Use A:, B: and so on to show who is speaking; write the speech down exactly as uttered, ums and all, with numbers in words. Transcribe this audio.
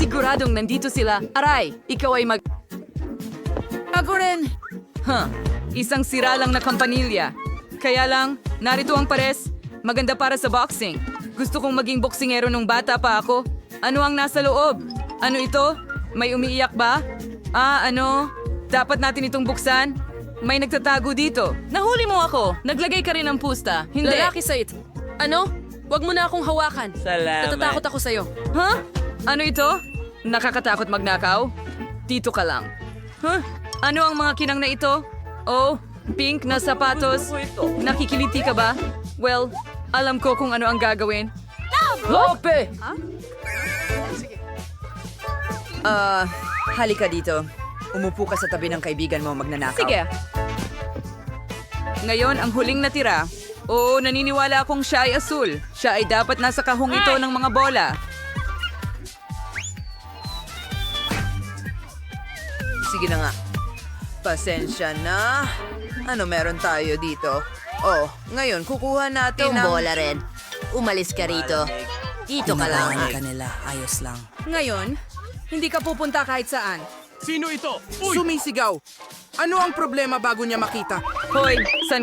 A: Siguradong nandito sila. Aray, ikaw ay mag... Ako rin. Huh, isang sira lang na kampanilya. Kaya lang, narito ang pares. Maganda para sa boxing. Gusto kong maging boksingero nung bata pa ako. Ano ang nasa loob? Ano ito? May umiiyak ba? Ah, ano? Dapat natin itong buksan? May nagtatago dito. Nahuli mo ako. Naglagay ka rin ng pusta. Hindi.
B: Lalaki sa it. Ano? Huwag mo na akong hawakan.
C: Salamat.
B: Natatakot ako sa'yo.
A: Huh? Ano ito? Nakakatakot magnakaw? Dito ka lang. Huh? Ano ang mga kinang na ito? Oh, pink na sapatos. Nakikiliti ka ba? Well, alam ko kung ano ang gagawin. Lope!
D: Ah, halika dito. Umupo ka sa tabi ng kaibigan mo magnanakaw.
A: Sige. Ngayon, ang huling natira. Oo, naniniwala akong siya ay asul. Siya ay dapat nasa kahong ito ng mga bola.
D: Sige na nga. Pasensya na. Ano meron tayo dito? Oh, ngayon kukuha natin
E: Itong
D: ng...
E: bola rin. Umalis ka rito. Dito ka lang.
D: kanila. Ayos lang.
A: Ngayon, hindi ka pupunta kahit saan.
C: Sino ito? Uy!
F: Sumisigaw. Ano ang problema bago niya makita?
A: Hoy, san